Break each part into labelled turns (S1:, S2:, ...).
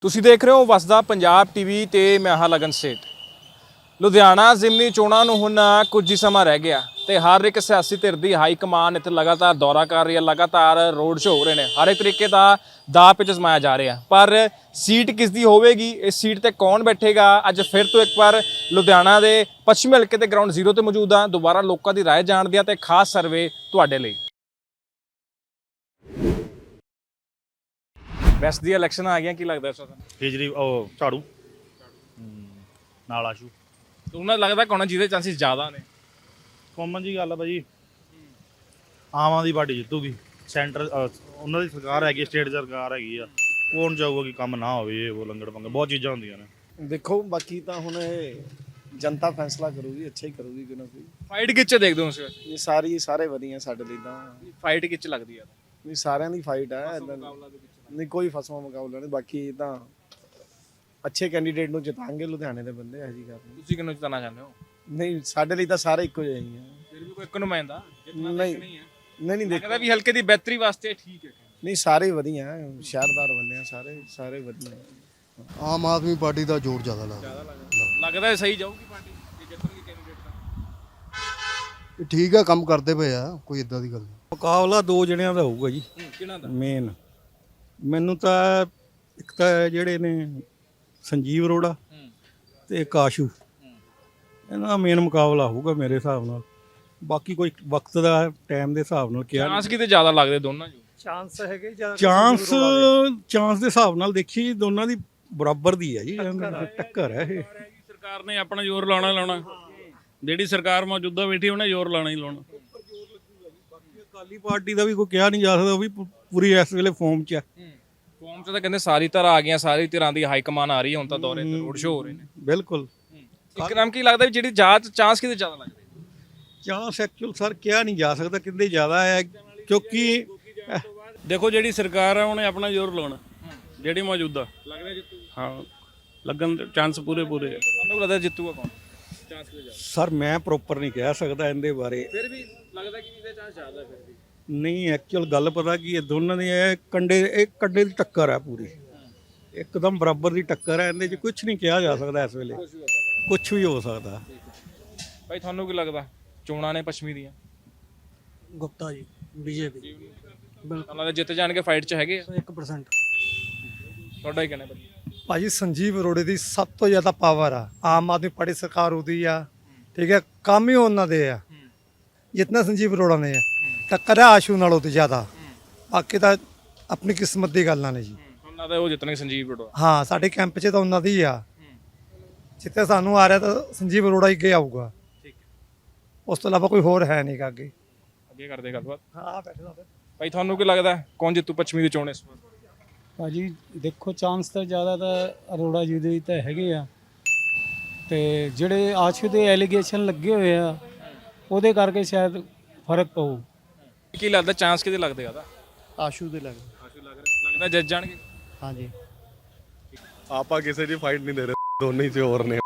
S1: ਤੁਸੀਂ ਦੇਖ ਰਹੇ ਹੋ ਵਸਦਾ ਪੰਜਾਬ ਟੀਵੀ ਤੇ ਮੈਂ ਹਾਂ ਲਗਨ ਸੇਠ। ਲੁਧਿਆਣਾ ਜ਼ਿਮਨੀ ਚੋਣਾਂ ਨੂੰ ਹੁਣ ਕੁਝ ਹੀ ਸਮਾਂ ਰਹਿ ਗਿਆ ਤੇ ਹਰ ਇੱਕ ਸਿਆਸੀ ਧਿਰ ਦੀ ਹਾਈ ਕਮਾਨ ਇੱਥੇ ਲਗਾਤਾਰ ਦੌਰਾ ਕਰ ਰਹੀ ਹੈ, ਲਗਾਤਾਰ ਰੋਡ ਸ਼ੋਅ ਹੋ ਰਹੇ ਨੇ, ਹਰ ਇੱਕ ਤਰੀਕੇ ਦਾ ਦਾਅ ਪੇਚ ਅਜ਼ਮਾਇਆ ਜਾ ਰਿਹਾ। ਪਰ ਸੀਟ ਕਿਸ ਦੀ ਹੋਵੇਗੀ, ਇਸ ਸੀਟ ਤੇ ਕੌਣ ਬੈਠੇਗਾ, ਅੱਜ ਫਿਰ ਤੋਂ ਇੱਕ ਵਾਰ ਲੁਧਿਆਣਾ ਦੇ ਪੱਛਮੀ ਹਲਕੇ ਤੇ ਗਰਾਊਂਡ ਜ਼ੀਰੋ ਤੇ ਮੌਜੂਦ ਹਾਂ। ਦੁਬਾਰਾ ਲੋਕਾਂ ਦੀ ਰਾਏ ਜਾਣਦੇ ਹਾਂ ਤੇ ਖਾਸ ਸਰਵੇ ਤੁਹਾਡੇ ਲਈ। ਵੈਸਟ ਦੀ ਇਲੈਕਸ਼ਨ ਆ ਗਈਆਂ, ਕੀ ਲੱਗਦਾ ਇਸ ਵਾਰ?
S2: ਕੇਜਰੀ ਉਹ ਝਾੜੂ ਨਾਲ ਆਸ਼ੂ
S1: ਉਹਨਾਂ ਲੱਗਦਾ ਕੌਣ ਜਿਹਦੇ ਚਾਂਸਿਸ ਜ਼ਿਆਦਾ ਨੇ?
S2: ਕਾਮਨ ਜੀ ਗੱਲ ਆ ਭਾਜੀ, ਆਮ ਆਦਮੀ ਪਾਰਟੀ ਜਿੱਤੂਗੀ। ਸੈਂਟਰ ਉਹਨਾਂ ਦੀ ਸਰਕਾਰ ਹੈਗੀ, ਸਟੇਟ ਸਰਕਾਰ ਹੈਗੀ ਆ। ਕੌਣ ਚਾਹੂਗਾ ਕਿ ਕੰਮ ਨਾ ਹੋਵੇ, ਉਹ ਲੰਗੜ ਪੰਗੇ ਬਹੁਤ ਚੀਜ਼ਾਂ ਹੁੰਦੀਆਂ ਨੇ।
S3: ਦੇਖੋ ਬਾਕੀ ਤਾਂ ਹੁਣ ਇਹ ਜਨਤਾ ਫੈਸਲਾ ਕਰੂਗੀ, ਅੱਛਾ ਹੀ ਕਰੂਗੀ ਕਿ ਨਾ ਕੋਈ।
S1: ਫਾਈਟ ਕਿੱਚ ਦੇਖਦੇ ਹੋ ਤੁਸੀਂ?
S3: ਇਹ ਸਾਰੇ ਵਧੀਆ ਸਾਡੇ ਲਈ ਤਾਂ।
S1: ਫਾਈਟ ਕਿੱਚ ਲੱਗਦੀ ਆ?
S3: ਨਹੀਂ ਸਾਰਿਆਂ ਦੀ ਫਾਈਟ ਹੈ, ਨਹੀਂ ਕੋਈ ਫਸਵਾ ਮੁਕਾਬਲਾ ਨਹੀਂ। ਬਾਕੀ ਤਾਂ ਅੱਛੇ ਕੈਂਡੀਡੇਟ ਨੂੰ ਜਿਤਾਂਗੇ ਲੁਧਿਆਣੇ ਦੇ ਬੰਦੇ, ਇਹੋ ਜਿਹੀ ਗੱਲ ਨਹੀਂ।
S1: ਤੁਸੀਂ ਕਿਹਨੂੰ ਜਿਤਾਉਣਾ ਚਾਹੁੰਦੇ ਹੋ?
S3: ਨਹੀਂ ਸਾਡੇ ਲਈ ਤਾਂ ਸਾਰੇ ਇੱਕੋ ਜਿਹੇ ਹੀ ਆ।
S1: ਫਿਰ ਵੀ ਕੋਈ ਇੱਕ ਨੁਮਾਇੰਦਾ
S3: ਨਹੀਂ ਨਹੀਂ
S1: ਦੇਖਦਾ ਵੀ ਹਲਕੇ ਦੀ ਬਿਹਤਰੀ ਵਾਸਤੇ ਠੀਕ ਹੈ।
S3: ਨਹੀਂ ਸਾਰੇ ਵਧੀਆ ਸ਼ਹਿਰਦਾਰ ਬੰਦੇ ਆ, ਸਾਰੇ ਵਧੀਆ।
S4: ਆਮ ਆਦਮੀ ਪਾਰਟੀ ਦਾ ਜ਼ੋਰ ਜ਼ਿਆਦਾ
S1: ਲੱਗਦਾ ਸਹੀ ਜਾਊਗੀ ਪਾਰਟੀ ਜੇ ਜਿੱਤਣਗੇ ਕੈਂਡੀਡੇਟ ਤਾਂ?
S4: ਠੀਕ ਆ, ਕੰਮ ਕਰਦੇ ਪਏ ਆ, ਕੋਈ ਇਦਾਂ ਦੀ ਗੱਲ ਨਹੀਂ।
S5: ਮੁਕਾਬਲਾ ਦੋ ਜਣਿਆਂ ਦਾ ਹੋਊਗਾ ਜੀ।
S1: ਕਿਹਨਾਂ ਦਾ
S5: ਮੇਨ ਮੈਨੂੰ ਤਾਂ ਇੱਕ ਤਾਂ ਜਿਹੜੇ ਨੇ ਸੰਜੀਵ ਅਰੋੜਾ ਤੇ ਕਾਸ਼ੂ, ਇਹਨਾਂ ਦਾ ਮੇਨ ਮੁਕਾਬਲਾ ਹੋਊਗਾ ਮੇਰੇ ਹਿਸਾਬ ਨਾਲ। ਬਾਕੀ ਕੋਈ ਵਕਤ ਦਾ ਟਾਈਮ ਦੇ ਹਿਸਾਬ ਨਾਲ ਕਿਹਾ
S1: ਚਾਂਸ ਕਿਤੇ ਜ਼ਿਆਦਾ ਲੱਗਦੇ ਦੋਨਾਂ ਚ?
S5: ਚਾਂਸ ਦੇ ਹਿਸਾਬ ਨਾਲ ਦੇਖੀ ਦੋਨਾਂ ਦੀ ਬਰਾਬਰ ਦੀ ਹੈ ਜੀ, ਟੱਕਰ ਹੈ ਇਹ।
S6: ਸਰਕਾਰ ਨੇ ਆਪਣਾ ਜ਼ੋਰ ਲਾਉਣਾ ਜਿਹੜੀ ਸਰਕਾਰ ਮੌਜੂਦਾ ਬੈਠੀ ਉਹਨੇ ਜ਼ੋਰ ਲਾਉਣਾ ਹੀ ਲਾਉਣਾ।
S5: ਅਕਾਲੀ ਪਾਰਟੀ ਦਾ ਵੀ ਕੋਈ ਕਿਹਾ ਨਹੀਂ ਜਾ ਸਕਦਾ, ਉਹ ਵੀ ਪੂਰੀ ਇਸ ਵੇਲੇ ਫਾਰਮ 'ਚ ਹੈ।
S1: ਫਾਰਮ 'ਚ ਤਾਂ ਕਹਿੰਦੇ ਸਾਰੀ ਤਰ੍ਹਾਂ ਆ ਗਈਆਂ, ਸਾਰੀ ਤਰ੍ਹਾਂ ਦੀ ਹਾਈ ਕਮਾਨ ਆ ਰਹੀ ਹੈ ਹੁਣ ਤਾਂ, ਦੌਰੇ ਤੇ ਰੋਡ ਸ਼ੋਅ ਹੋ ਰਹੇ ਨੇ।
S5: ਬਿਲਕੁਲ।
S1: ਇੱਕ ਨਾਮ ਕੀ ਲੱਗਦਾ ਵੀ ਜਿਹੜੀ ਚਾਂਸ ਕਿਤੇ ਜ਼ਿਆਦਾ ਲੱਗਦੇ?
S5: ਚਾਂਸ ਐਕਚੁਅਲ ਸਰ ਕਿਹਾ ਨਹੀਂ ਜਾ ਸਕਦਾ ਕਿੰਦੇ ਜ਼ਿਆਦਾ ਹੈ, ਕਿਉਂਕਿ
S6: ਦੇਖੋ ਜਿਹੜੀ ਸਰਕਾਰ ਆ ਉਹਨੇ ਆਪਣਾ ਜ਼ੋਰ ਲਾਉਣਾ, ਜਿਹੜੀ ਮੌਜੂਦਾ
S1: ਲੱਗਦਾ ਜਿੱਤੂ?
S6: ਹਾਂ ਲੱਗਣ ਦੇ ਚਾਂਸ ਪੂਰੇ ਆ।
S1: ਤੁਹਾਨੂੰ ਲੱਗਦਾ ਜਿੱਤੂਗਾ ਕੌਣ? ਚਾਂਸ ਕਿਤੇ ਜ਼ਿਆਦਾ?
S5: ਸਰ ਮੈਂ ਪ੍ਰੋਪਰ ਨਹੀਂ ਕਹਿ ਸਕਦਾ ਇਹਦੇ ਬਾਰੇ।
S1: ਫਿਰ ਵੀ ਲੱਗਦਾ ਕਿ ਇਹਦੇ ਚਾਂਸ ਜ਼ਿਆਦਾ ਫਿਰ ਵੀ?
S5: ਨਹੀਂ ਐਕਚੁਅਲ ਗੱਲ ਪਤਾ ਕੀ ਇਹ ਦੋਨਾਂ ਦੀ ਇਹ ਕੰਡੇ ਦੀ ਟੱਕਰ ਹੈ, ਪੂਰੀ ਇੱਕਦਮ ਬਰਾਬਰ ਦੀ ਟੱਕਰ ਹੈ। ਇਹਦੇ 'ਚ ਕੁਝ ਨਹੀਂ ਕਿਹਾ ਜਾ ਸਕਦਾ ਇਸ ਵੇਲੇ, ਕੁਝ ਵੀ ਹੋ ਸਕਦਾ।
S1: ਭਾਈ ਤੁਹਾਨੂੰ ਕੀ ਲੱਗਦਾ ਚੋਣਾਂ ਨੇ ਪੱਛਮੀ ਦੀਆਂ?
S7: ਗੁਪਤਾ ਜੀ ਬੀਜੇਪੀ
S1: ਉਹਨਾਂ ਦੇ ਜਿੱਤ ਜਾਣਗੇ, ਫਾਈਟ 'ਚ ਹੈਗੇ ਆ?
S7: 100%।
S1: ਤੁਹਾਡਾ ਹੀ ਕਹਿਣਾ
S8: ਭਾਜੀ ਸੰਜੀਵ ਅਰੋੜੇ ਦੀ ਸਭ ਤੋਂ ਜ਼ਿਆਦਾ ਪਾਵਰ ਆ। ਆਮ ਆਦਮੀ ਪਾਰਟੀ ਸਰਕਾਰ ਉਹਦੀ ਆ, ਠੀਕ ਹੈ, ਕੰਮ ਹੀ ਉਹਨਾਂ ਦੇ ਆ ਜਿਤਨਾ ਸੰਜੀਵ ਅਰੋੜਾ ਨੇ ਆ। ਟੱਕਰ ਹੈ ਆਸ਼ੂ ਨਾਲੋਂ ਤੇ ਜ਼ਿਆਦਾ। ਬਾਕੀ ਤਾਂ ਆਪਣੀ ਕਿਸਮਤ ਦੀ ਗੱਲਾਂ ਨੇ ਜੀ।
S1: ਉਹਨਾਂ ਦਾ ਉਹ ਜਿੱਤਣਗੇ ਸੰਜੀਵ ਅਰੋੜਾ?
S8: ਹਾਂ ਸਾਡੇ ਕੈਂਪ 'ਚ ਤਾਂ ਉਹਨਾਂ ਦੀ ਆ। ਜਿੱਥੇ ਸਾਨੂੰ ਆ ਰਿਹਾ ਤਾਂ ਸੰਜੀਵ ਅਰੋੜਾ ਹੀ ਅੱਗੇ ਆਊਗਾ, ਉਸ ਤੋਂ ਇਲਾਵਾ ਕੋਈ ਹੋਰ ਹੈ ਨਹੀਂ ਅੱਗੇ
S1: ਕਰਦੇ ਗੱਲਬਾਤ।
S8: ਹਾਂ ਬੈਠੇ ਦਾ
S1: ਭਾਈ ਤੁਹਾਨੂੰ ਕੀ ਲੱਗਦਾ ਕੌਣ ਜਿੱਤੂ ਪੱਛਮੀ ਦੀ ਚੋਣ ਇਸ ਵਾਰ?
S7: ਭਾਜੀ ਦੇਖੋ ਚਾਂਸ ਤਾਂ ਜ਼ਿਆਦਾ ਤਾਂ ਅਰੋੜਾ ਜੀ ਦੇ ਤਾਂ ਹੈਗੇ ਆ, ਤੇ ਜਿਹੜੇ ਆਸ਼ੂ ਦੇ ਐਲੀਗੇਸ਼ਨ ਲੱਗੇ ਹੋਏ ਆ ਉਹਦੇ ਕਰਕੇ ਸ਼ਾਇਦ ਫਰਕ ਪਊ।
S1: ਕੀ ਲੱਗਦਾ ਚਾਂਸ ਕਿਤੇ ਲੱਗਦੇ ਆ?
S3: ਆਸ਼ੂ ਦੇ ਲੱਗਦਾ।
S1: ਆਸ਼ੂ ਲੱਗਦਾ ਜਿੱਤ ਜਾਣਗੇ?
S3: ਹਾਂਜੀ
S2: ਆਪਾਂ ਕਿਸੇ ਦੀ ਫਾਈਟ ਨਹੀਂ ਦੇ ਰਹੇ, ਦੋਨੇ ਹੀ ਚੋਰ ਨੇ।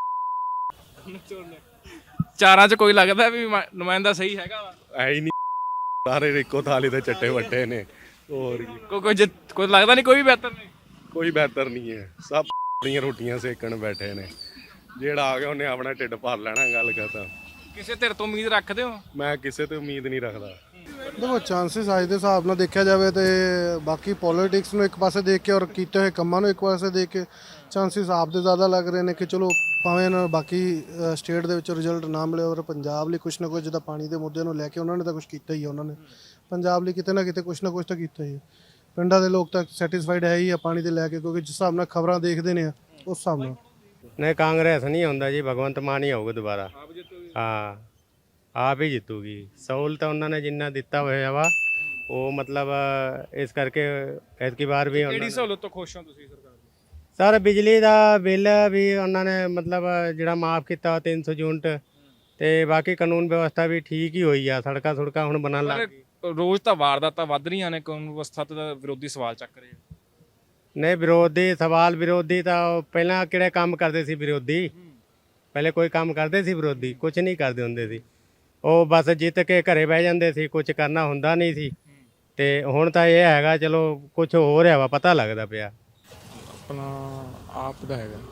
S1: ਚਾਰਾਂ 'ਚ ਕੋਈ ਲੱਗਦਾ ਵੀ ਨੁਮਾਇੰਦਾ ਸਹੀ ਹੈਗਾ ਵਾ?
S2: ਐ ਹੀ ਨਹੀਂ, ਸਾਰੇ ਇੱਕੋ ਥਾਲੀ ਦੇ ਚੱਟੇ ਵੱਟੇ ਨੇ। ਹੋਰ
S1: ਕੋਈ ਲੱਗਦਾ ਨਹੀਂ ਕੋਈ ਵੀ ਬਿਹਤਰ ਨਹੀਂ?
S2: ਕੋਈ ਬਿਹਤਰ ਨਹੀਂ ਹੈ, ਸਭ ਦੀਆਂ ਰੋਟੀਆਂ ਸੇਕਣ ਬੈਠੇ ਨੇ। ਜਿਹੜਾ ਆ ਗਿਆ ਉਹਨੇ ਆਪਣਾ ਢਿੱਡ ਭਰ ਲੈਣਾ, ਗੱਲ ਖਤਮ।
S1: ਕਿਸੇ ਧਿਰ ਤੋਂ ਉਮੀਦ ਰੱਖਦੇ ਹੋ?
S2: ਮੈਂ ਕਿਸੇ ਤੋਂ ਉਮੀਦ ਨਹੀਂ ਰੱਖਦਾ।
S4: ਦੇਖੋ ਚਾਂਸਸ ਅੱਜ ਦੇ ਹਿਸਾਬ ਨਾਲ ਦੇਖਿਆ ਜਾਵੇ ਤੇ ਬਾਕੀ ਪੋਲਿਟਿਕਸ ਨੂੰ ਇੱਕ ਪਾਸੇ ਦੇਖ ਕੇ ਔਰ ਕੀਤੇ ਹੋਏ ਕੰਮਾਂ ਨੂੰ ਇੱਕ ਪਾਸੇ ਦੇਖ ਕੇ ਚਾਂਸਸ ਆਪ ਦੇ ਜ਼ਿਆਦਾ ਲੱਗ ਰਹੇ ਨੇ ਕਿ ਚਲੋ ਭਾਵੇਂ ਨਾ ਬਾਕੀ ਸਟੇਟ ਦੇ ਵਿੱਚ ਰਿਜ਼ਲਟ ਨਾ ਮਿਲੇ, ਔਰ ਪੰਜਾਬ ਲਈ ਕੁਛ ਨਾ ਕੁਛ, ਜਿੱਦਾਂ ਪਾਣੀ ਦੇ ਮੁੱਦੇ ਨੂੰ ਲੈ ਕੇ ਉਹਨਾਂ ਨੇ ਤਾਂ ਕੁਛ ਕੀਤਾ ਹੀ ਆ। ਉਹਨਾਂ ਨੇ ਪੰਜਾਬ ਲਈ ਕਿਤੇ ਨਾ ਕਿਤੇ ਕੁਛ ਨਾ ਕੁਛ ਤਾਂ ਕੀਤਾ ਹੀ ਹੈ। ਪਿੰਡਾਂ ਦੇ ਲੋਕ ਤਾਂ ਸੈਟੀਸਫਾਈਡ ਹੈ ਹੀ ਆ ਪਾਣੀ ਦੇ ਲੈ ਕੇ, ਕਿਉਂਕਿ ਜਿਸ ਹਿਸਾਬ ਨਾਲ ਖਬਰਾਂ ਦੇਖਦੇ ਨੇ ਉਸ ਹਿਸਾਬ ਨਾਲ।
S9: ਨਹੀਂ ਕਾਂਗਰਸ ਨਹੀਂ ਹੁੰਦਾ ਜੀ, ਭਗਵੰਤ ਮਾਨ ਹੀ ਆਊਗਾ ਦੁਬਾਰਾ। ਹਾਂ ਆਪ ਹੀ ਜਿੱਤੂਗੀ। ਸਹੂਲਤ ਉਹਨਾਂ ਨੇ ਜਿੰਨਾ ਦਿੱਤਾ ਹੋਇਆ ਵਾ ਉਹ ਮਤਲਬ ਇਸ ਕਰਕੇ ਐਤਕੀ ਵਾਰ ਵੀ
S1: ਕਿਹੜੀ ਸਹੂਲਤ ਤੋਂ ਖੁਸ਼ ਹੋ ਤੁਸੀਂ ਸਰਕਾਰ ਦੀ?
S9: ਸਰ ਬਿਜਲੀ ਦਾ ਬਿੱਲ ਵੀ ਉਹਨਾਂ ਨੇ ਮਤਲਬ ਜਿਹੜਾ ਮਾਫ ਕੀਤਾ 300 ਯੂਨਿਟ, ਤੇ ਬਾਕੀ ਕਾਨੂੰਨ ਵਿਵਸਥਾ ਵੀ ਠੀਕ ਹੀ ਹੋਈ ਆ। ਸੜਕਾਂ ਹੁਣ ਬਣਨ ਲੱਗ ਗਈ।
S1: ਰੋਜ਼ ਤਾਂ ਵਾਰਦਾਤਾਂ ਵੱਧ ਰਹੀਆਂ ਨੇ, ਕਾਨੂੰਨ ਵਿਵਸਥਾ ਤੇ ਵਿਰੋਧੀ ਸਵਾਲ ਚੱਕ ਰਹੇ।
S9: ਨਹੀਂ ਵਿਰੋਧੀ ਤਾਂ ਉਹ ਪਹਿਲਾਂ ਕਿਹੜੇ ਕੰਮ ਕਰਦੇ ਸੀ ਵਿਰੋਧੀ? ਪਹਿਲੇ ਕੋਈ ਕੰਮ ਕਰਦੇ ਸੀ ਵਿਰੋਧੀ? ਕੁਝ ਨਹੀਂ ਕਰਦੇ ਹੁੰਦੇ ਸੀ। ਉਹ ਬਸ ਜਿੱਤ ਕੇ ਘਰੇ ਬਹਿ ਜਾਂਦੇ ਸੀ, ਕੁਝ ਕਰਨਾ ਹੁੰਦਾ ਨਹੀਂ ਸੀ। ਤੇ ਹੁਣ ਤਾਂ ਇਹ ਹੈਗਾ ਚਲੋ ਕੁਝ ਹੋ ਰਿਹਾ ਵਾ, ਪਤਾ ਲੱਗਦਾ ਪਿਆ।
S8: ਆਪਣਾ
S10: ਆਪ ਦਾ ਹੈਗਾ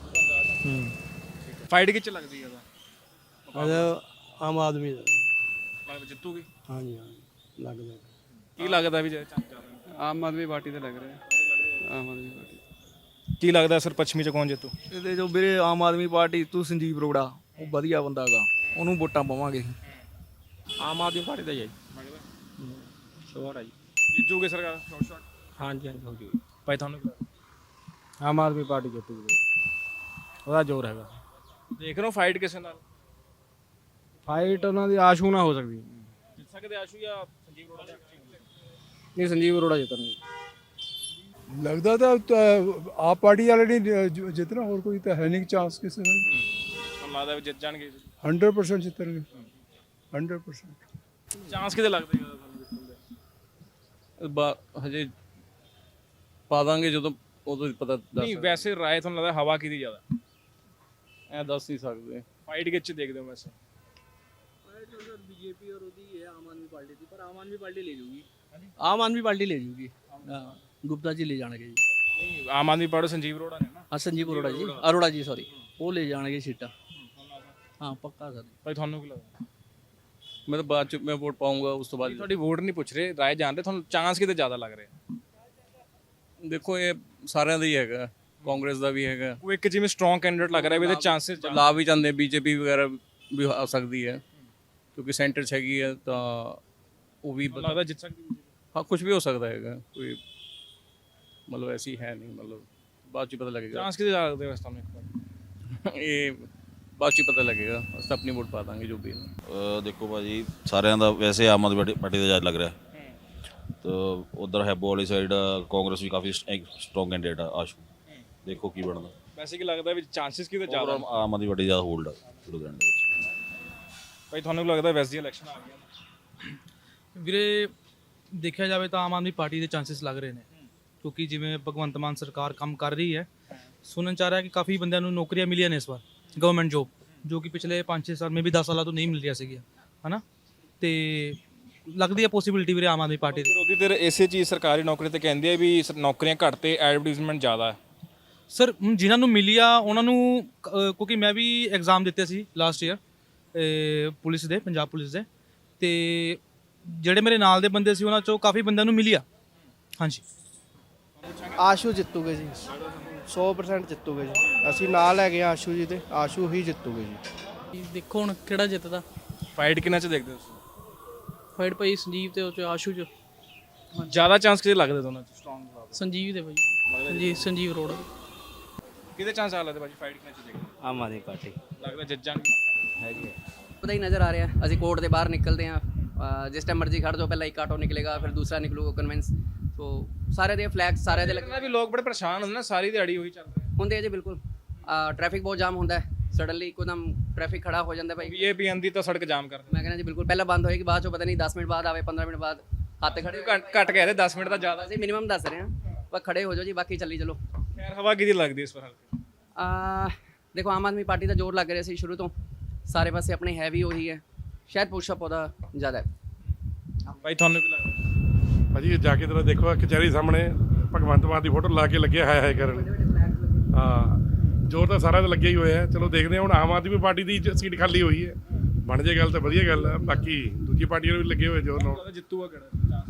S1: ਫਾਈਟ ਕਿੱਚ ਲੱਗਦੀ ਹੈ ਉਹਦਾ
S10: ਆਮ ਆਦਮੀ ਦਾ
S1: ਲੱਗਦਾ ਜਿੱਤੂਗੀ?
S10: ਹਾਂਜੀ ਲੱਗਦਾ
S1: ਕੀ ਲੱਗਦਾ ਵੀ ਜੇ
S10: ਆਮ ਆਦਮੀ ਪਾਰਟੀ ਤੇ ਲੱਗ ਰਿਹਾ ਆਮ ਆਦਮੀ ਪਾਰਟੀ
S1: ਕੀ ਲੱਗਦਾ ਸਰ ਪੱਛਮੀ ਚ ਕੌਣ ਜਿੱਤੂ?
S11: ਇਹਦੇ ਜੋ ਵੀਰੇ ਆਮ ਆਦਮੀ ਪਾਰਟੀ ਤੂੰ ਸੰਜੀਵ ਅਰੋੜਾ ਉਹ ਵਧੀਆ ਬੰਦਾ ਹੈਗਾ, ਉਹਨੂੰ ਵੋਟਾਂ ਪਾਵਾਂਗੇ।
S10: ਆਮ ਆਦਮੀ ਪਾਰਟੀ ਦਾ ਹੀ ਹੈ ਸ਼ੋਰ ਹੈ ਜੀ।
S1: ਜਿੱਤੂਗੇ ਸਰਕਾਰ ਸ਼ਾਟ?
S10: ਹਾਂਜੀ ਹਾਂਜੀ ਹੋ ਜੀ।
S1: ਭਾਈ ਤੁਹਾਨੂੰ ਕੀ ਲੱਗਦਾ?
S10: ਆਮ ਆਦਮੀ ਪਾਰਟੀ ਜਿੱਤੂਗੀ, ਉਹਦਾ ਜ਼ੋਰ ਹੈਗਾ।
S1: ਦੇਖ ਰਹੇ ਹੋ ਫਾਈਟ ਕਿਸੇ ਨਾਲ?
S10: ਫਾਈਟ ਉਹਨਾਂ ਦੀ ਆਸ਼ੂ ਨਾ ਹੋ ਸਕਦੀ।
S1: ਜਿੱਤ ਸਕਦੇ ਆਸ਼ੂ ਜਾਂ ਸੰਜੀਵ ਅਰੋੜਾ?
S10: ਨਹੀਂ ਸੰਜੀਵ ਅਰੋੜਾ ਜਿੱਤਣਗੇ।
S4: ਲੱਗਦਾ ਤਾਂ ਆਪ ਪਾਰਟੀ ਵਾਲੇ ਨਹੀਂ ਜਿੱਤਣਾ, ਹੋਰ ਕੋਈ ਤਾਂ ਹੈ ਨਹੀਂ ਚਾਂਸ ਕਿਸੇ ਦਾ।
S1: ਤੁਹਾਨੂੰ ਲੱਗਦਾ ਵੀ ਜਿੱਤ ਜਾਣਗੇ?
S4: 100% ਜਿੱਤਣਗੇ 100%।
S1: ਚਾਂਸ ਕਿਤੇ ਲੱਗਦੇ ਜ਼ਿਆਦਾ ਤੁਹਾਨੂੰ ਜਿੱਤਣ ਦੇ?
S6: ਹਜੇ ਪਾ ਦਾਂਗੇ ਜਦੋਂ ਉਦੋਂ ਪਤਾ
S1: ਨਹੀਂ ਵੈਸੇ ਰਾਏ ਤੁਹਾਨੂੰ ਲੱਗਦਾ ਹਵਾ ਕਿਹਦੀ ਜ਼ਿਆਦਾ?
S6: ਐ ਦੱਸ ਨਹੀਂ ਸਕਦੇ।
S1: ਫਾਈਟ ਕਿੱਚ ਦੇਖਦੇ ਹੋ ਵੈਸੇ?
S11: बीजेपी और ਉਹਦੀ ਹੈ ਆਮ ਆਦਮੀ ਪਾਰਟੀ ਦੀ, ਪਰ ਆਮ ਆਦਮੀ ਪਾਰਟੀ ਲੈ ਜੂਗੀ। ਆਮ ਆਦਮੀ ਪਾਰਟੀ ਲੈ ਜੂਗੀ। ਗੁਪਤਾ ਜੀ ਲੈ ਜਾਣਗੇ ਜੀ।
S1: ਨਹੀਂ ਆਮ ਆਦਮੀ ਪਾਰਟੀ ਸੰਜੀਵ ਅਰੋੜਾ ਨੇ ਨਾ।
S11: ਹਾਂ ਸੰਜੀਵ ਅਰੋੜਾ ਜੀ ਸੌਰੀ, ਉਹ ਲੈ ਜਾਣਗੇ ਸੀਟਾਂ। ਹਾਂ ਪੱਕਾ ਸਰ।
S1: ਭਾਈ ਤੁਹਾਨੂੰ ਕੀ ਲੱਗਦਾ?
S6: ਮੈਂ ਤਾਂ ਬਾਅਦ ਚ ਮੈਂ ਵੋਟ ਪਾਉਂਗਾ ਉਸ ਤੋਂ ਬਾਅਦ।
S1: ਤੁਹਾਡੀ ਵੋਟ ਨਹੀਂ ਪੁੱਛ ਰਹੇ, ਰਾਏ ਜਾਣ ਰਹੇ, ਤੁਹਾਨੂੰ ਚਾਂਸ ਕਿਤੇ ਜ਼ਿਆਦਾ ਲੱਗ ਰਿਹਾ?
S6: ਦੇਖੋ ਇਹ ਸਾਰਿਆਂ ਦਾ ਹੀ ਹੈਗਾ, ਕਾਂਗਰਸ ਦਾ ਵੀ ਹੈਗਾ।
S1: ਉਹ ਇੱਕ ਜਿਵੇਂ ਸਟਰੋਂਗ ਕੈਂਡੀਡੇਟ ਲੱਗ ਰਿਹਾ ਵੀ ਇਹਦੇ ਚਾਂਸਸ
S6: ਲਾ ਵੀ ਜਾਂਦੇ, ਬੀਜੇਪੀ ਵਗੈਰਾ ਵੀ ਆ ਸਕਦੀ ਹੈ ਕਿਉਂਕਿ ਸੈਂਟਰ 'ਚ ਹੈਗੀ ਹੈ, ਤਾਂ ਉਹ ਵੀ
S1: ਲੱਗਦਾ ਜਿੱਤ ਸਕਦੀ?
S6: ਹਾਂ ਕੁਝ ਵੀ ਹੋ ਸਕਦਾ ਹੈਗਾ, ਕੋਈ ਮਤਲਬ ਐਸੀ ਹੈ ਨਹੀਂ, ਮਤਲਬ ਬਾਅਦ 'ਚ ਪਤਾ ਲੱਗੇਗਾ।
S1: ਚਾਂਸ ਕਿਤੇ ਜ਼ਿਆਦਾ ਲੱਗਦੇ ਵੈਸੇ ਤੁਹਾਨੂੰ ਇੱਕ ਵਾਰ?
S6: ਇਹ ਬਾਅਦ 'ਚ ਪਤਾ ਲੱਗੇਗਾ, ਅਸੀਂ ਤਾਂ ਆਪਣੀ ਵੋਟ ਪਾ ਦਾਂਗੇ ਜੋ ਵੀ ਹੈ।
S12: ਦੇਖੋ ਭਾਜੀ ਸਾਰਿਆਂ ਦਾ ਵੈਸੇ ਆਮ ਆਦਮੀ ਪਾਰਟੀ ਦਾ ਜ਼ਿਆਦਾ ਲੱਗ ਰਿਹਾ, ਤਾਂ ਉਧਰ ਹੈਬੋ ਵਾਲੀ ਸਾਈਡ ਕਾਂਗਰਸ ਵੀ ਕਾਫੀ ਸਟਰੋਂਗ ਕੈਂਡੀਡੇਟ ਆ ਆਸ਼ੂ। ਦੇਖੋ ਕੀ ਬਣਦਾ।
S1: ਵੈਸੇ ਕੀ ਲੱਗਦਾ ਵੀ ਚਾਂਸਸ ਕਿਤੇ ਜ਼ਿਆਦਾ?
S12: ਆਮ ਆਦਮੀ ਪਾਰਟੀ ਜ਼ਿਆਦਾ ਹੋਲਡ ਆ ਲੁਧਿਆਣੇ ਦੇ ਵਿੱਚ।
S1: ਭਾਈ ਤੁਹਾਨੂੰ ਕੀ ਲੱਗਦਾ ਵੈਸੇ ਦੀ ਇਲੈਕਸ਼ਨ ਆ ਗਈਆਂ?
S13: ਵੀਰੇ ਦੇਖਿਆ ਜਾਵੇ ਤਾਂ ਆਮ ਆਦਮੀ ਪਾਰਟੀ ਦੇ ਚਾਂਸਸ ਲੱਗ ਰਹੇ ਨੇ, ਕਿਉਂਕਿ ਜਿਵੇਂ ਭਗਵੰਤ ਮਾਨ ਸਰਕਾਰ ਕੰਮ ਕਰ ਰਹੀ ਹੈ, ਸੁਣਨ ਚ ਆ ਰਿਹਾ ਕਿ ਕਾਫੀ ਬੰਦਿਆਂ ਨੂੰ ਨੌਕਰੀਆਂ ਮਿਲੀਆਂ ਨੇ ਇਸ ਵਾਰ, ਗਵਰਨਮੈਂਟ ਜੋਬ, ਜੋ ਕਿ ਪਿਛਲੇ 5-6 ਸਾਲ ਮੇ ਵੀ 10 ਸਾਲਾਂ ਤੋਂ ਨਹੀਂ ਮਿਲ ਰਿਹਾ ਸੀਗਾ, ਹਨਾ। ਤੇ ਲੱਗਦੀ ਹੈ ਪੋਸੀਬਿਲਿਟੀ ਵੀਰੇ ਆਮ ਆਦਮੀ ਪਾਰਟੀ ਦੀ।
S1: ਵਿਰੋਧੀ ਧਿਰ ਇਸੇ ਚੀਜ਼ ਸਰਕਾਰੀ ਨੌਕਰੀ ਤੇ ਕਹਿੰਦੇ ਆ ਵੀ ਨੌਕਰੀਆਂ ਘੱਟ ਤੇ ਐਡਵਰਟਾਈਜ਼ਮੈਂਟ ਜ਼ਿਆਦਾ ਹੈ।
S13: ਸਰ ਜਿਨ੍ਹਾਂ ਨੂੰ ਮਿਲੀ ਆ ਉਹਨਾਂ ਨੂੰ ਕਿਉਂਕਿ ਮੈਂ ਵੀ ਐਗਜ਼ਾਮ ਦਿੱਤੇ ਸੀ ਲਾਸਟ ਈਅਰ ਪੁਲਿਸ ਦੇ, ਪੰਜਾਬ ਪੁਲਿਸ ਦੇ, ਤੇ ਜਿਹੜੇ ਮੇਰੇ ਨਾਲ ਦੇ ਬੰਦੇ ਸੀ ਉਹਨਾਂ ਚੋਂ ਕਾਫੀ ਬੰਦਿਆਂ ਨੂੰ ਮਿਲੀ ਆ। ਹਾਂਜੀ
S3: ਆਸ਼ੂ ਜਿੱਤੂਗੇ ਜੀ, 100% ਜਿੱਤੂਗੇ ਜੀ। ਅਸੀਂ ਨਾਲ ਹੈਗੇ ਆ ਆਸ਼ੂ ਜੀ, ਤੇ ਆਸ਼ੂ ਹੀ ਜਿੱਤੂਗੇ ਜੀ।
S11: ਦੇਖੋ ਹੁਣ ਕਿਹੜਾ ਜਿੱਤਦਾ।
S1: ਫਾਈਟ ਕਿੰਨਾ ਚ ਦੇਖਦੇ ਹੋ ਤੁਸੀਂ?
S11: ਫਾਈਟ ਭਾਈ ਸੰਜੀਵ ਤੇ ਉਹ ਚ ਆਸ਼ੂ ਚ।
S1: ਜ਼ਿਆਦਾ ਚਾਂਸ ਕਿਤੇ ਲੱਗਦੇ ਦੋਨਾਂ ਚ? ਸਟਰੋਂਗ
S11: ਸੰਜੀਵ ਦੇ ਭਾਈ, ਹਾਂਜੀ ਸੰਜੀਵ ਅਰੋੜਾ।
S1: ਕਿਹਦੇ ਚਾਂਸ ਆ ਲੱਗਦੇ ਭਾਜੀ ਫਾਈਟ ਕਿੰਨਾ ਚ ਦੇਖਦੇ?
S10: ਆਮ ਆਦਮੀ ਪਾਰਟੀ
S1: ਲੱਗਦਾ ਜਿੱਤ ਜਾਣਗੇ?
S10: ਹੈਗੀ ਹੈ।
S11: ਪਤਾ ਹੀ ਨਜ਼ਰ ਆ ਰਿਹਾ, ਅਸੀਂ ਕੋਰਟ ਦੇ ਬਾਹਰ ਨਿਕਲਦੇ ਹਾਂ, ਜਿਸ ਟਾਈਮ ਮਰਜ਼ੀ ਖੜ ਜਾਓ, ਪਹਿਲਾਂ ਇੱਕ ਆਟੋ ਨਿਕਲੇਗਾ, ਫਿਰ ਦੂਸਰਾ ਨਿਕਲੂਗਾ ਕਨਵੈਂਸ। ਸੋ ਸਾਰੇ ਦੇ ਫਲੈਗ ਸਾਰੇ ਦੇ
S1: ਲੱਗਦਾ ਵੀ ਲੋਕ ਬੜੇ ਪਰੇਸ਼ਾਨ ਹੁੰਦੇ ਨਾ, ਸਾਰੀ ਦਿਹਾੜੀ ਉਹੀ ਚੱਲ ਰਿਹਾ
S11: ਹੁੰਦੇ ਆ ਜੀ। ਬਿਲਕੁਲ ਟ੍ਰੈਫਿਕ ਬਹੁਤ ਜਾਮ ਹੁੰਦਾ ਹੈ, ਸਡਨਲੀ ਇੱਕਦਮ ਟ੍ਰੈਫਿਕ ਖੜਾ ਹੋ ਜਾਂਦਾ ਭਾਈ।
S1: ਵੀਏਪੀ ਆਂਦੀ ਤਾਂ ਸੜਕ ਜਾਮ ਕਰ
S11: ਮੈਂ ਕਹਿੰਦਾ ਜੀ ਬਿਲਕੁਲ, ਪਹਿਲਾਂ ਬੰਦ ਹੋਏਗੀ, ਬਾਅਦ ਚੋਂ ਪਤਾ ਨਹੀਂ 10 ਮਿੰਟ ਬਾਅਦ ਆਵੇ, 15 ਮਿੰਟ ਬਾਅਦ ਹੱਥ ਖੜੇ।
S1: ਘੱਟ ਕਹਿ ਰਹੇ 10 ਮਿੰਟ ਤਾਂ ਜ਼ਿਆਦਾ।
S11: ਅਸੀਂ ਮਿਨੀਮਮ ਦੱਸ ਰਹੇ ਹਾਂ, ਪਰ ਖੜੇ ਹੋ ਜਾਓ ਜੀ, ਬਾਕੀ ਚੱਲੀ ਚਲੋ।
S1: ਖੈਰ ਹਵਾ ਕਿਹਦੀ ਲੱਗਦੀ ਇਸ ਵਾਰ?
S11: ਦੇਖੋ ਆਮ ਆਦਮੀ ਪਾਰਟੀ ਦਾ ਜ਼ੋਰ ਲੱਗ ਰਿਹਾ ਸੀ ਸ਼ੁਰੂ ਤੋਂ, ਸਾਰੇ ਪਾਸੇ ਆਪਣੇ ਹੈ ਵੀ ਉਹੀ ਹੈ, ਸ਼ਾਇਦ ਪੁਸ਼ਅਪ ਉਹਦਾ ਜ਼ਿਆਦਾ ਹੈ।
S1: ਭਾਈ ਤੁਹਾਨੂੰ ਕੀ ਲੱਗਦਾ?
S14: ਭਾਜੀ ਜਾ ਕੇ ਤੇਰਾ ਦੇਖੋ ਕਚਹਿਰੀ ਸਾਹਮਣੇ ਭਗਵੰਤ ਮਾਨ ਦੀ ਫੋਟੋ ਲਾ ਕੇ ਲੱਗਿਆ ਹਾਏ ਹਾਏ ਕਰਨ। ਹਾਂ ਜ਼ੋਰ ਤਾਂ ਸਾਰਾ ਤਾਂ ਲੱਗਿਆ ਹੀ ਹੋਇਆ। ਚਲੋ ਦੇਖਦੇ ਹਾਂ ਹੁਣ, ਆਮ ਆਦਮੀ ਪਾਰਟੀ ਦੀ ਸੀਟ ਖਾਲੀ ਹੋਈ ਹੈ, ਬਣ ਜੇ ਗੱਲ ਤਾਂ ਵਧੀਆ ਗੱਲ ਹੈ, ਬਾਕੀ ਦੂਜੀ ਪਾਰਟੀਆਂ ਨੂੰ ਵੀ ਲੱਗੇ ਹੋਏ ਜ਼ੋਰ ਨਾਲ।
S1: ਜਿੱਤੂਗਾ ਕਿਹੜਾ?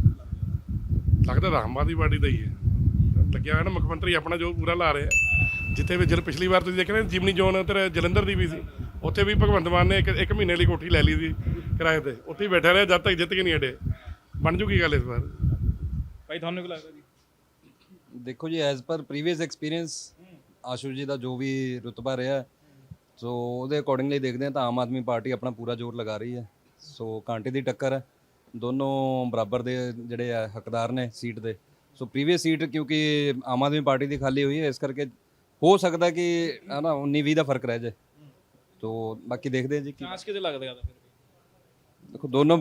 S14: ਲੱਗਦਾ ਤਾਂ ਆਮ ਆਦਮੀ ਪਾਰਟੀ ਦਾ ਹੀ ਹੈ, ਲੱਗਿਆ ਹੋਇਆ ਨਾ। ਮੁੱਖ ਮੰਤਰੀ ਆਪਣਾ ਜੋ ਪੂਰਾ ਲਾ ਰਿਹਾ, ਜਿੱਥੇ ਵੀ ਪਿਛਲੀ ਵਾਰ ਤੁਸੀਂ ਦੇਖਿਆ ਨਾ ਜਿਮਨੀ ਜ਼ੋਨ ਉੱਧਰ ਜਲੰਧਰ ਦੀ ਵੀ ਸੀ, ਉੱਥੇ ਵੀ ਭਗਵੰਤ ਮਾਨ ਨੇ ਇੱਕ ਮਹੀਨੇ ਲਈ ਕੋਠੀ ਲੈ ਲਈ ਸੀ ਕਿਰਾਏ ਤੇ, ਉੱਥੇ ਹੀ ਬੈਠਾ ਰਿਹਾ ਜਦ ਤੱਕ ਜਿੱਤ ਕੇ ਨਹੀਂ ਹਟੇ। ਬਣ ਜੂਗੀ ਗੱਲ ਇਸ ਵਾਰ।
S1: ਭਾਈ ਤੁਹਾਨੂੰ ਕੀ ਲੱਗਦਾ ਜੀ?
S15: ਦੇਖੋ ਜੀ as per previous experience Ashu ਜੀ ਦਾ ਜੋ ਵੀ ਰੁਤਬਾ ਰਿਹਾ, ਸੋ ਉਹਦੇ ਅਕੋਰਡਿੰਗਲੀ ਦੇਖਦੇ ਹਾਂ ਤਾਂ ਆਮ ਆਦਮੀ ਪਾਰਟੀ ਆਪਣਾ ਪੂਰਾ ਜ਼ੋਰ ਲਗਾ ਰਹੀ ਹੈ। ਸੋ ਕਾਂਟੇ ਦੀ ਟੱਕਰ ਹੈ, ਦੋਨੋਂ ਬਰਾਬਰ ਦੇ ਜਿਹੜੇ ਆ ਹੱਕਦਾਰ ਨੇ ਸੀਟ ਦੇ। ਸੋ ਪ੍ਰੀਵੀਅਸ ਸੀਟ ਕਿਉਂਕਿ ਆਮ ਆਦਮੀ ਪਾਰਟੀ ਦੀ ਖਾਲੀ ਹੋਈ ਹੈ, ਇਸ ਕਰਕੇ ਹੋ ਸਕਦਾ ਕਿ ਹੈ ਨਾ 19-20 ਦਾ ਫਰਕ ਰਹਿ ਜਾਏ। ਤੋ ਬਾਕੀ ਦੇਖਦੇ ਹਾਂ ਜੀ ਕੀ
S1: ਚਾਂਸ ਕਿਤੇ ਲੱਗਦੇ ਆ।
S15: ਦੇਖੋ ਦੋਨੋਂ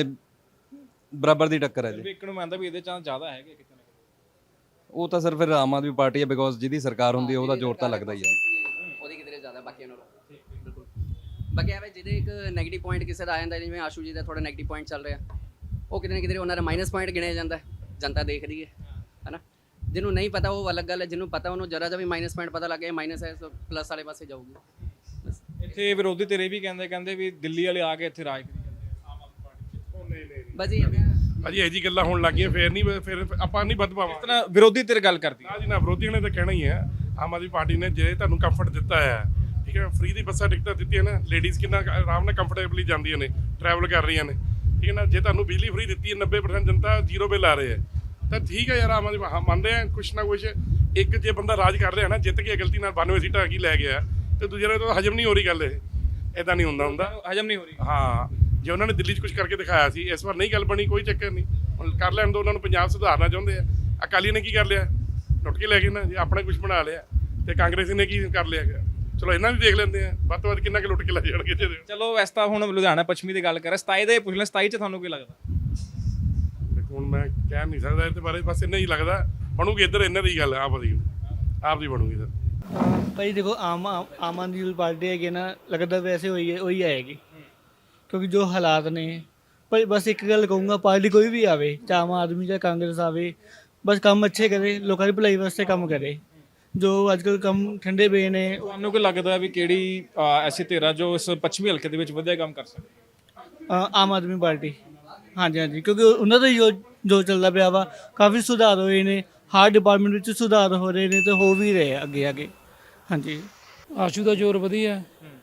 S15: ਬਰਾਬਰ ਦੀ ਟੱਕਰ ਹੈ ਜੀ।
S1: ਇੱਕ ਨੂੰ ਮੰਨਦਾ ਵੀ ਇਹਦੇ ਚਾਂਸ ਜ਼ਿਆਦਾ ਹੈਗੇ ਕਿਤੇ ਨਾ ਕਿਤੇ।
S15: ਉਹ ਤਾਂ ਸਰ ਫਿਰ ਆਮ ਆਦਮੀ ਪਾਰਟੀ ਹੈ, ਬਿਕੋਜ਼ ਜਿਹਦੀ ਸਰਕਾਰ ਹੁੰਦੀ ਹੈ ਉਹਦਾ ਜ਼ੋਰ ਤਾਂ ਲੱਗਦਾ ਹੀ ਹੈ।
S11: ਉਹਦੀ ਕਿਤੇ ਜ਼ਿਆਦਾ ਬਾਕੀ ਨਾਲੋਂ ਬਿਲਕੁਲ। ਬਾਕੀ ਐਵੇਂ ਜਿਹਦੇ ਇੱਕ ਨੈਗੇਟਿਵ ਪੁਆਇੰਟ ਕਿਸੇ ਦਾ ਆ ਜਾਂਦਾ, ਜਿਵੇਂ ਆਸ਼ੂ ਜੀ ਦਾ ਥੋੜਾ ਨੈਗੇਟਿਵ ਪੁਆਇੰਟ ਚੱਲ ਰਿਹਾ, ਉਹ ਕਿਤੇ ਨਾ ਕਿਤੇ ਉਹਨਾਂ ਦਾ ਮਾਈਨਸ ਪੁਆਇੰਟ ਗਿਣਿਆ ਜਾਂਦਾ, ਜਨਤਾ ਦੇਖ ਰਹੀ ਹੈ ਨਾ। ਜਿਹਨੂੰ ਨਹੀਂ ਪਤਾ ਉਹ ਅਲੱਗ ਗੱਲ ਹੈ, ਜਿਹਨੂੰ ਪਤਾ ਉਹਨੂੰ ਜਰਾ ਜਿਹਾ ਵੀ ਮਾਈਨਸ ਪੁਆਇੰਟ ਪਤਾ ਲੱਗ ਗਿਆ ਮਾਈਨਸ ਹੈ, ਸੋ ਪਲੱਸ ਵਾਲੇ ਪਾਸੇ ਜਾਊਗੀ। ਬਸ
S1: ਇੱਥੇ ਵਿਰੋਧੀ ਧਿਰ ਇਹ ਵੀ ਕਹਿੰਦੇ ਵੀ ਦਿੱਲੀ ਵਾਲੇ ਆ ਕੇ ਇੱਥੇ ਰਾਜ ਕਰੀ ਜਾਂਦੇ ਆਮ ਆਦਮੀ ਪਾਰਟੀ 'ਚ।
S11: ਬਸ ਜੀ
S14: ਭਾਜੀ ਇਹ ਜੀ ਗੱਲਾਂ ਹੋਣ ਲੱਗ ਗਈਆਂ, ਫਿਰ ਆਪਾਂ ਨਹੀਂ ਵੱਧ ਪਾਵਾਂਗੇ।
S1: ਇਤਨਾ ਵਿਰੋਧੀ ਧਿਰ ਗੱਲ ਕਰਦੀ
S14: ਨਾ ਜੀ ਨਾ, ਵਿਰੋਧੀਆਂ ਨੇ ਤਾਂ ਕਹਿਣਾ ਹੀ ਹੈ। ਆਮ ਆਦਮੀ ਪਾਰਟੀ ਨੇ ਜੇ ਤੁਹਾਨੂੰ ਕੰਫਰਟ ਦਿੱਤਾ ਹੈ, ਠੀਕ ਹੈ, ਫ੍ਰੀ ਦੀ ਬੱਸਾਂ ਟਿਕਟਾਂ ਦਿੱਤੀਆਂ ਨਾ, ਲੇਡੀਜ਼ ਕਿੰਨਾ ਆਰਾਮ ਨਾਲ ਕੰਫਰਟੇਬਲੀ ਜਾਂਦੀਆਂ ਨੇ, ਟਰੈਵਲ ਕਰ ਰਹੀਆਂ ਨੇ, ਠੀਕ ਹੈ ਨਾ। ਜੇ ਤੁਹਾਨੂੰ ਬਿਜਲੀ ਫ੍ਰੀ ਦਿੱਤੀ ਹੈ, 90% ਜਨਤਾ ਜ਼ੀਰੋ ਬਿੱਲ ਆ ਰਹੇ ਹੈ, ਤਾਂ ਠੀਕ ਹੈ ਯਾਰ, ਆਮ ਆਦਮੀ ਮੰਨਦੇ ਆ ਕੁਛ ਨਾ ਕੁਛ। ਇੱਕ ਜੇ ਬੰਦਾ ਰਾਜ ਕਰ ਰਿਹਾ ਨਾ, ਜਿੱਤ ਕੇ ਗਲਤੀ ਨਾਲ 92 ਸੀਟਾਂ ਕੀ ਲੈ ਗਿਆ, ਤੇ ਦੂਜੇ ਨੇ ਤਾਂ ਹਜਮ ਨਹੀਂ ਹੋ ਰਹੀ ਗੱਲ, ਇਹ ਇਦਾਂ ਨਹੀਂ ਹੁੰਦਾ
S1: ਹਜਮ ਨਹੀਂ ਹੋ ਰਹੀ।
S14: ਹਾਂ, ਜੇ ਉਹਨਾਂ ਨੇ ਦਿੱਲੀ 'ਚ ਕੁਝ ਕਰਕੇ ਦਿਖਾਇਆ ਸੀ, ਇਸ ਵਾਰ ਨਹੀਂ ਗੱਲ ਬਣੀ, ਕੋਈ ਚੱਕਰ ਨਹੀਂ, ਹੁਣ ਕਰ ਲੈਣ ਦੋ ਉਹਨਾਂ ਨੂੰ। ਪੰਜਾਬ ਸੁਧਾਰਨਾ ਚਾਹੁੰਦੇ ਆ। ਅਕਾਲੀ ਨੇ ਕੀ ਕਰ ਲਿਆ, ਲੁੱਟ ਕੇ ਲੈ ਗਏ ਨਾ ਜੀ, ਆਪਣਾ ਕੁਝ ਬਣਾ ਲਿਆ, ਤੇ ਕਾਂਗਰਸੀ ਨੇ ਕੀ ਕਰ ਲਿਆ। ਚਲੋ ਇਹਨਾਂ ਵੀ ਦੇਖ ਲੈਂਦੇ ਆ, ਵੱਧ ਤੋਂ ਵੱਧ ਕਿੰਨਾ ਕੁ ਲੁੱਟ ਕੇ ਲੈ ਜਾਣਗੇ।
S1: ਚਲੋ ਵੈਸੇ ਤਾਂ ਹੁਣ ਲੁਧਿਆਣਾ ਪੱਛਮੀ ਦੀ ਗੱਲ ਕਰਾਂ, 27 ਦੇ ਪੁੱਛ ਲੈ, 27 'ਚ ਤੁਹਾਨੂੰ ਕੀ ਲੱਗਦਾ?
S14: ਦੇਖੋ ਹੁਣ ਮੈਂ ਕਹਿ ਨਹੀਂ ਸਕਦਾ ਇਹਦੇ ਬਾਰੇ, ਬਸ ਇੰਨਾ ਹੀ ਲੱਗਦਾ ਬਣੂਗੀ ਇੱਧਰ, ਇਹਨਾਂ ਦੀ ਗੱਲ ਆਪ ਦੀ ਬਣੂਗੀ ਸਰ।
S16: ਭਾਈ ਦੇਖੋ ਆਮ ਆਦਮੀ ਪਾਰਟੀ ਹੈਗੀ ਨਾ, ਲੱਗਦਾ ਵੈਸੇ ਉਹੀ ਆਏਗੀ, ਕਿਉਂਕਿ ਜੋ ਹਾਲਾਤ ਨੇ। ਭਾਈ ਬਸ ਇੱਕ ਗੱਲ ਕਹੂੰਗਾ, ਪਾਰਟੀ ਕੋਈ ਵੀ ਆਵੇ, ਚਾਹੇ ਆਮ ਆਦਮੀ ਚਾਹੇ ਕਾਂਗਰਸ ਆਵੇ, ਬਸ ਕੰਮ ਅੱਛੇ ਕਰੇ, ਲੋਕਾਂ ਦੀ ਭਲਾਈ ਵਾਸਤੇ ਕੰਮ ਕਰੇ। ਜੋ ਅੱਜ ਕੱਲ੍ਹ ਕੰਮ ਠੰਡੇ ਪਏ ਨੇ।
S1: ਤੁਹਾਨੂੰ ਕੀ ਲੱਗਦਾ ਵੀ ਕਿਹੜੀ ਐਸੀ ਧਿਰ ਆ ਜੋ ਇਸ ਪੱਛਮੀ ਹਲਕੇ ਦੇ ਵਿੱਚ ਵਧੀਆ ਕੰਮ ਕਰ ਸਕਦੀ?
S16: ਆਮ ਆਦਮੀ ਪਾਰਟੀ, ਹਾਂਜੀ, ਕਿਉਂਕਿ ਉਹਨਾਂ ਦਾ ਜੋ ਚੱਲਦਾ ਪਿਆ ਵਾ, ਕਾਫੀ ਸੁਧਾਰ ਹੋਏ ਨੇ, ਹਰ ਡਿਪਾਰਟਮੈਂਟ ਵਿੱਚ ਸੁਧਾਰ ਹੋ ਰਹੇ ਨੇ, ਤੇ ਹੋ ਵੀ ਰਹੇ ਅੱਗੇ। ਹਾਂਜੀ,
S7: ਆਸ਼ੂ ਦਾ ਜ਼ੋਰ ਵਧੀਆ,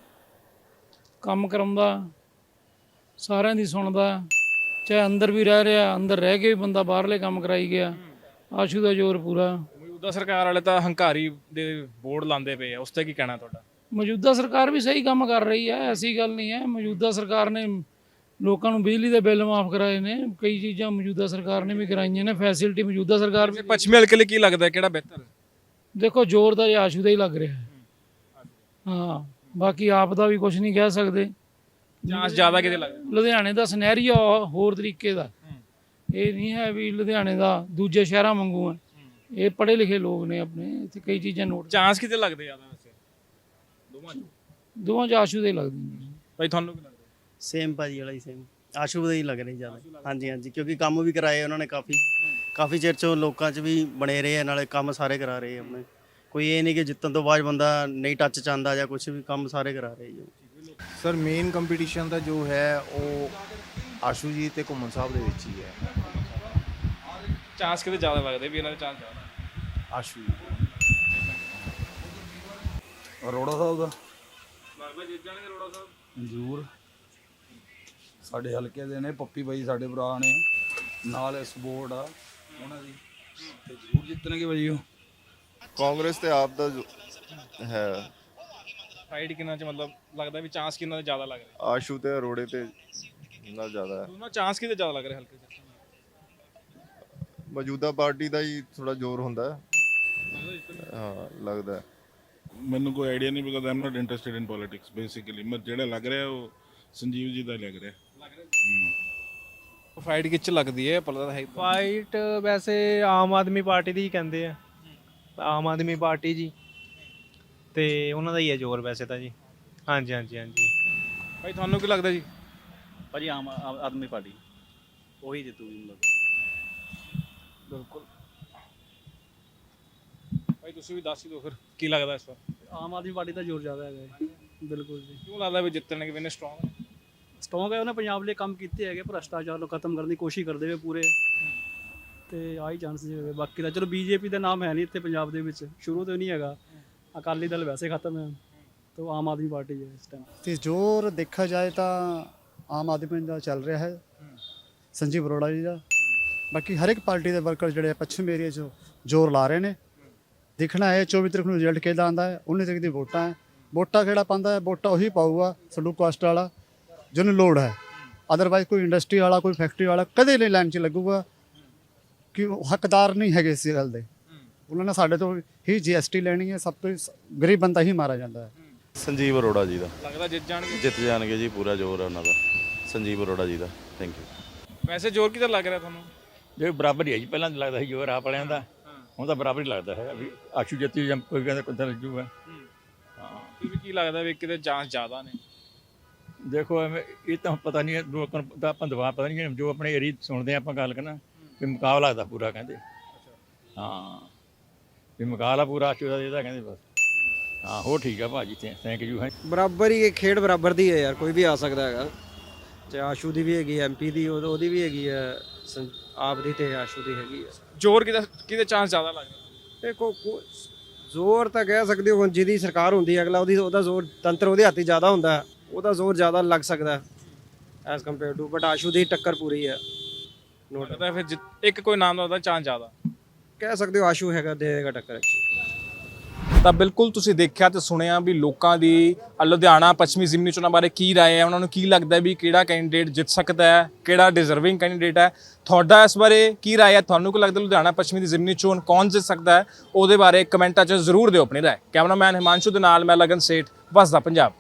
S7: ਕੰਮ ਕਰਾਉਂਦਾ, ਸਾਰਿਆਂ ਦੀ ਸੁਣਦਾ, ਚਾਹੇ ਅੰਦਰ ਵੀ ਰਹਿ ਰਿਹਾ, ਅੰਦਰ ਰਹਿ ਕੇ ਵੀ ਬੰਦਾ ਬਾਹਰਲੇ ਕੰਮ ਕਰਾਈ ਗਿਆ। ਆਸ਼ੂ ਦਾ ਜ਼ੋਰ ਪੂਰਾ।
S1: ਮੌਜੂਦਾ ਸਰਕਾਰ ਵਾਲੇ ਤਾਂ ਹੰਕਾਰੀ ਦੇ ਬੋਰਡ ਲਾਉਂਦੇ ਪਏ ਆ, ਉਸ ਤੇ ਕੀ ਕਹਿਣਾ ਤੁਹਾਡਾ?
S7: ਮੌਜੂਦਾ ਸਰਕਾਰ ਵੀ ਸਹੀ ਕੰਮ ਕਰ ਰਹੀ ਹੈ, ਐਸੀ ਗੱਲ ਨਹੀਂ ਹੈ। ਮੌਜੂਦਾ ਸਰਕਾਰ ਨੇ ਲੋਕਾਂ ਨੂੰ ਬਿਜਲੀ ਦੇ ਬਿੱਲ ਮਾਫ ਕਰਾਏ ਨੇ, ਕਈ ਚੀਜ਼ਾਂ ਮੌਜੂਦਾ ਸਰਕਾਰ ਨੇ ਵੀ ਕਰਾਈਆਂ ਨੇ, ਫੈਸਿਲਿਟੀ ਮੌਜੂਦਾ ਸਰਕਾਰ ਵੀ।
S1: ਪੱਛਮੀ ਹਲਕੇ ਲਈ ਕੀ ਲੱਗਦਾ, ਕਿਹੜਾ ਬਿਹਤਰ?
S7: ਦੇਖੋ ਜ਼ੋਰ ਤਾਂ ਆਸ਼ੂ ਦਾ ਹੀ ਲੱਗ ਰਿਹਾ ਹੈ। ਹਾਂ, ਬਾਕੀ ਆਪ ਦਾ ਵੀ ਕੁਝ ਨਹੀਂ ਕਹਿ ਸਕਦੇ।
S1: ਚਾਂਸ ਜ਼ਿਆਦਾ ਕਿਤੇ ਲੱਗਦਾ?
S7: ਲੁਧਿਆਣੇ ਦਾ ਸਿਨੈਰੀਓ ਹੋਰ ਤਰੀਕੇ ਦਾ, ਇਹ ਨਹੀਂ ਹੈ ਵੀ ਲੁਧਿਆਣੇ ਦਾ ਦੂਜੇ ਸ਼ਹਿਰਾਂ ਵਾਂਗੂ ਹੈ। ਇਹ ਪੜ੍ਹੇ ਲਿਖੇ ਲੋਕ ਨੇ ਆਪਣੇ, ਇੱਥੇ ਕਈ ਚੀਜ਼ਾਂ ਨੋਟ।
S1: ਚਾਂਸ ਕਿਤੇ ਲੱਗਦੇ ਜ਼ਿਆਦਾ ਵੈਸੇ
S7: ਦੋਵਾਂ 'ਚ ਆਸ਼ੂ ਦੇ ਹੀ ਲੱਗਦੇ ਨੇ।
S1: ਭਾਈ ਤੁਹਾਨੂੰ ਕੀ ਲੱਗਦਾ?
S17: ਸੇਮ ਭਾਜੀ ਵਾਲਾ ਹੀ ਸੇਮ, ਆਸ਼ੂ ਦਾ ਹੀ ਲੱਗ ਰਿਹਾ ਜ਼ਿਆਦਾ। ਹਾਂਜੀ, ਕਿਉਂਕਿ ਕੰਮ ਵੀ ਕਰਾਏ ਉਹਨਾਂ ਨੇ, ਕਾਫੀ ਚਿਰ 'ਚੋਂ ਲੋਕਾਂ 'ਚ ਵੀ ਬਣੇ ਰਹੇ ਆ, ਨਾਲੇ ਕੰਮ ਸਾਰੇ ਕਰਾ ਰਹੇ ਆਪਣੇ। ਕੋਈ ਇਹ ਨਹੀਂ ਕਿ ਜਿੱਤਣ ਤੋਂ ਬਾਅਦ ਬੰਦਾ ਨਹੀਂ ਟੱਚ 'ਚ ਆਉਂਦਾ ਜਾਂ ਕੁਝ ਵੀ, ਕੰਮ ਸਾਰੇ ਕਰਾ ਰਹੇ ਜੀ।
S18: ਸਰ ਮੇਨ ਕੰਪੀਟੀਸ਼ਨ ਦਾ ਜੋ ਹੈ ਉਹ ਆਸ਼ੂ ਜੀ ਤੇ ਘੁੰਮਣ ਸਾਹਿਬ ਦੇ ਵਿੱਚ ਹੀ ਹੈ।
S1: ਚਾਂਸ ਕਿਤੇ ਜ਼ਿਆਦਾ ਲੱਗਦੇ ਵੀ ਇਹਨਾਂ ਦੇ ਚਾਂਸ ਜ਼ਿਆਦਾ?
S18: ਆਸ਼ੂ
S5: ਅਰੋੜਾ ਸਾਹਿਬ ਦਾ
S1: ਲੱਗਦਾ ਜਿੱਤ ਜਾਣਗੇ ਅਰੋੜਾ ਸਾਹਿਬ
S5: ਜ਼ਰੂਰ। ਸਾਡੇ ਹਲਕੇ ਦੇ ਨੇ, ਪੱਪੀ ਬਾਈ ਸਾਡੇ ਭਰਾ ਨੇ, ਨਾਲ ਸਪੋਰਟ ਆ ਉਹਨਾਂ ਦੀ, ਤੇ ਜ਼ਰੂਰ ਜਿੱਤਣਗੇ ਬਾਈ। ਉਹ
S19: ਕਾਂਗਰਸ ਤੇ ਆਪ ਦਾ ਹੈ
S1: ਫਾਈਟ ਕਿੰਨਾ ਚ, ਮਤਲਬ ਲੱਗਦਾ ਵੀ ਚਾਂਸ ਕਿੰਨਾ ਦਾ ਜ਼ਿਆਦਾ ਲੱਗ ਰਿਹਾ?
S19: ਆਸ਼ੂ ਤੇ ਅਰੋੜੇ ਤੇ ਨਾਲ ਜ਼ਿਆਦਾ ਹੈ।
S1: ਦੋਨੋਂ ਚਾਂਸ ਕਿਤੇ ਜ਼ਿਆਦਾ ਲੱਗ ਰਿਹਾ ਹਲਕੇ ਚ?
S19: ਮੌਜੂਦਾ ਪਾਰਟੀ ਦਾ ਹੀ ਥੋੜਾ ਜ਼ੋਰ ਹੁੰਦਾ ਹੈ। ਹਾਂ ਲੱਗਦਾ ਹੈ।
S20: ਮੈਨੂੰ ਕੋਈ ਆਈਡੀਆ ਨਹੀਂ, because I am not interested in politics basically. ਮੈਂ ਜਿਹੜਾ ਲੱਗ ਰਿਹਾ ਉਹ ਸੰਜੀਵ ਜੀ ਦਾ ਲੱਗ ਰਿਹਾ।
S1: ਫਾਈਟ ਕਿੱਚ ਲੱਗਦੀ ਹੈ ਪਤਾ ਹੈ?
S21: ਫਾਈਟ ਵੈਸੇ ਆਮ ਆਦਮੀ ਪਾਰਟੀ ਦੀ ਹੀ ਕਹਿੰਦੇ ਆ, ਆਮ ਆਦਮੀ ਪਾਰਟੀ ਜੀ, ਤੇ ਉਹਨਾਂ ਦਾ ਹੀ ਹੈ ਜ਼ੋਰ ਵੈਸੇ ਤਾਂ ਜੀ। ਹਾਂਜੀ।
S1: ਭਾਈ ਤੁਹਾਨੂੰ ਕੀ ਲੱਗਦਾ ਜੀ?
S22: ਭਾਜੀ ਆਮ ਆਦਮੀ ਪਾਰਟੀ ਉਹੀ ਜਿੱਤੂਗੀ ਮਤਲਬ।
S1: ਬਿਲਕੁਲ। ਭਾਈ ਤੁਸੀਂ ਵੀ ਦੱਸ ਹੀ ਦਿਓ ਫਿਰ ਕੀ ਲੱਗਦਾ ਇਸ ਵਾਰ?
S21: ਆਮ ਆਦਮੀ ਪਾਰਟੀ ਦਾ ਜ਼ੋਰ ਜ਼ਿਆਦਾ ਹੈਗਾ ਬਿਲਕੁਲ ਜੀ।
S1: ਕਿਉਂ ਲੱਗਦਾ ਵੀ ਜਿੱਤਣਗੇ, ਵੀ
S21: ਸਟਰੋਂਗ ਹੈ? ਉਹਨੇ ਪੰਜਾਬ ਲਈ ਕੰਮ ਕੀਤੇ ਹੈਗੇ, ਭ੍ਰਸ਼ਟਾਚਾਰ ਨੂੰ ਖਤਮ ਕਰਨ ਦੀ ਕੋਸ਼ਿਸ਼ ਕਰਦੇ ਹੋਏ ਪੂਰੇ, ਤੇ ਆਹੀ ਚਾਂਸ ਹੋਵੇ। ਬਾਕੀ ਤਾਂ ਚਲੋ ਬੀਜੇਪੀ ਦਾ ਨਾਮ ਹੈ ਨਹੀਂ ਇੱਥੇ ਪੰਜਾਬ ਦੇ ਵਿੱਚ, ਸ਼ੁਰੂ ਤੋਂ ਨਹੀਂ ਹੈਗਾ। ਅਕਾਲੀ ਦਲ ਵੈਸੇ ਖਤਮ ਹੈ, ਤਾਂ ਆਮ ਆਦਮੀ ਪਾਰਟੀ ਹੈ ਇਸ ਟਾਈਮ।
S23: ਤੇ ਜ਼ੋਰ ਦੇਖਿਆ ਜਾਏ ਤਾਂ ਆਮ ਆਦਮੀ ਦਾ ਚੱਲ ਰਿਹਾ ਹੈ, ਸੰਜੀਵ ਅਰੋੜਾ ਜੀ ਦਾ। ਬਾਕੀ ਹਰ ਇੱਕ ਪਾਰਟੀ ਦੇ ਵਰਕਰ ਜਿਹੜੇ ਪੱਛਮ ਏਰੀਆ 'ਚ ਜ਼ੋਰ ਲਾ ਰਹੇ ਨੇ। ਦੇਖਣਾ ਹੈ 24 ਤਰੀਕ ਨੂੰ ਰਿਜ਼ਲਟ ਕਿਹਦਾ ਆਉਂਦਾ ਹੈ। 19 ਤਰੀਕ ਦੀ ਵੋਟਾਂ ਹੈ। ਵੋਟਾਂ ਕਿਹੜਾ ਪਾਉਂਦਾ ਹੈ? ਵੋਟਾਂ ਉਹੀ ਪਾਊਗਾ ਸ਼ਡਿਊਲ ਕਾਸਟ ਵਾਲਾ ਜਿਹਨੂੰ ਲੋੜ ਹੈ। ਅਦਰਵਾਈਜ਼ ਕੋਈ ਇੰਡਸਟਰੀ ਵਾਲਾ, ਕੋਈ ਫੈਕਟਰੀ ਵਾਲਾ ਕਦੇ ਨਹੀਂ ਲਾਈਨ 'ਚ ਲੱਗੂਗਾ, ਕਿ ਉਹ ਹੱਕਦਾਰ ਨਹੀਂ ਹੈਗੇ ਇਸ ਗੱਲ ਦੇ। ਉਹਨਾਂ ਨੇ ਸਾਡੇ ਤੋਂ ਹੀ GST ਲੈਣੀ ਹੈ। ਸਭ ਤੋਂ ਗਰੀਬ ਬੰਦਾ ਹੀ ਮਾਰਾ ਜਾਂਦਾ ਹੈ।
S19: ਸੰਜੀਵ ਅਰੋੜਾ ਜੀ ਦਾ
S1: ਲੱਗਦਾ ਜਿੱਤ ਜਾਣਗੇ?
S19: ਜਿੱਤ ਜਾਣਗੇ ਜੀ, ਪੂਰਾ ਜ਼ੋਰ ਹੈ ਉਹਨਾਂ ਦਾ, ਸੰਜੀਵ ਅਰੋੜਾ ਜੀ ਦਾ। Thank you.
S1: ਵੈਸੇ ਜ਼ੋਰ ਕਿਧਰ ਲੱਗ ਰਿਹਾ ਤੁਹਾਨੂੰ?
S24: ਜੇ ਬਰਾਬਰ ਹੀ ਹੈ ਜੀ, ਪਹਿਲਾਂ ਲੱਗਦਾ ਸੀ ਜ਼ੋਰ ਆਪ ਵਾਲਿਆਂ ਦਾ, ਹੁਣ ਤਾਂ ਬਰਾਬਰ ਹੀ ਲੱਗਦਾ ਹੈ ਵੀ ਆਸ਼ੂ ਜਿੱਤੀ ਜਾਂ ਕੋਈ ਕਹਿੰਦਾ ਕਿੱਦਾਂ ਲੱਗੂਗਾ।
S1: ਹਾਂ, ਕੀ ਲੱਗਦਾ ਵੀ ਕਿਤੇ ਚਾਂਸ ਜ਼ਿਆਦਾ ਨੇ?
S24: ਦੇਖੋ ਐਵੇਂ ਇਹ ਤਾਂ ਪਤਾ ਨਹੀਂ, ਲੋਕਾਂ ਨੂੰ ਤਾਂ ਆਪਾਂ ਦਵਾ ਪਤਾ ਨਹੀਂ, ਜੋ ਆਪਣੇ ਏਰੀਆ ਸੁਣਦੇ ਆਪਾਂ ਗੱਲ ਕਰਨਾ ਵੀ ਮੁਕਾਬਲਾ ਲੱਗਦਾ ਪੂਰਾ ਕਹਿੰਦੇ। ਹਾਂ ਵੀ ਮੁਕਾਬਲਾ ਪੂਰਾ ਆਸ਼ੂ ਦਾ ਇਹਦਾ ਕਹਿੰਦੇ ਬਸ ਹਾਂ ਹੋ ਠੀਕ ਆ ਭਾਜੀ ਥੈਂਕ ਯੂ ਹੈ
S2: ਬਰਾਬਰ ਹੀ ਖੇਡ ਬਰਾਬਰ ਦੀ ਹੈ ਯਾਰ, ਕੋਈ ਵੀ ਆ ਸਕਦਾ ਹੈਗਾ। ਤੇ ਆਸ਼ੂ ਦੀ ਵੀ ਹੈਗੀ, ਐਮਪੀ ਦੀ ਉਹਦੀ ਵੀ ਹੈਗੀ ਹੈ, ਆਪ ਦੀ ਤੇ ਆਸ਼ੂ ਦੀ ਹੈਗੀ ਹੈ।
S1: ਜ਼ੋਰ ਕਿਹਦੇ ਚਾਂਸ ਜ਼ਿਆਦਾ ਲੱਗਦਾ?
S2: ਦੇਖੋ ਜ਼ੋਰ ਤਾਂ ਕਹਿ ਸਕਦੇ ਹੋ, ਜਿਹਦੀ ਸਰਕਾਰ ਹੁੰਦੀ ਹੈ ਅਗਲਾ ਉਹਦਾ ਜ਼ੋਰ ਤੰਤਰ ਉਹਦੇ ਹੱਥ 'ਚ ਜ਼ਿਆਦਾ ਹੁੰਦਾ ਹੈ, ਉਹਦਾ ਜ਼ੋਰ ਜ਼ਿਆਦਾ ਲੱਗ ਸਕਦਾ as compare to, but Ashu ਦੀ ਟੱਕਰ ਪੂਰੀ ਹੈ।
S1: ਲੱਗਦਾ ਫਿਰ ਇੱਕ ਕੋਈ ਨਾਮ ਦਾ ਉਹਦਾ ਚਾਂਸ ਜ਼ਿਆਦਾ
S2: ਕਹਿ ਸਕਦੇ ਹੋ, ਆਸ਼ੂ ਹੈਗਾ ਦੇਗਾ ਟੱਕਰ।
S1: ਤਾਂ ਬਿਲਕੁਲ ਤੁਸੀਂ ਦੇਖਿਆ ਤੇ ਸੁਣਿਆ ਵੀ ਲੋਕਾਂ ਦੀ ਲੁਧਿਆਣਾ ਪੱਛਮੀ ਜ਼ਿਮਨੀ ਚੋਣਾਂ ਬਾਰੇ ਕੀ ਰਾਏ ਹੈ, ਉਹਨਾਂ ਨੂੰ ਕੀ ਲੱਗਦਾ ਵੀ ਕਿਹੜਾ ਕੈਂਡੀਡੇਟ ਜਿੱਤ ਸਕਦਾ ਹੈ, ਕਿਹੜਾ ਡਿਜ਼ਰਵਿੰਗ ਕੈਂਡੀਡੇਟ ਹੈ। ਤੁਹਾਡਾ ਇਸ ਬਾਰੇ ਕੀ ਰਾਏ ਹੈ? ਤੁਹਾਨੂੰ ਕੀ ਲੱਗਦਾ ਲੁਧਿਆਣਾ ਪੱਛਮੀ ਦੀ ਜ਼ਿਮਨੀ ਚੋਣ ਕੌਣ ਜਿੱਤ ਸਕਦਾ ਹੈ? ਉਹਦੇ ਬਾਰੇ ਕਮੈਂਟਾਂ 'ਚ ਜ਼ਰੂਰ ਦਿਓ ਆਪਣੀ ਰਾਏ। ਕੈਮਰਾਮੈਨ ਹਿਮਾਂਸ਼ੂ ਦੇ ਨਾਲ ਮੈਂ ਲਗਨ ਸੇਠ, ਵਸਦਾ ਪੰਜਾਬ।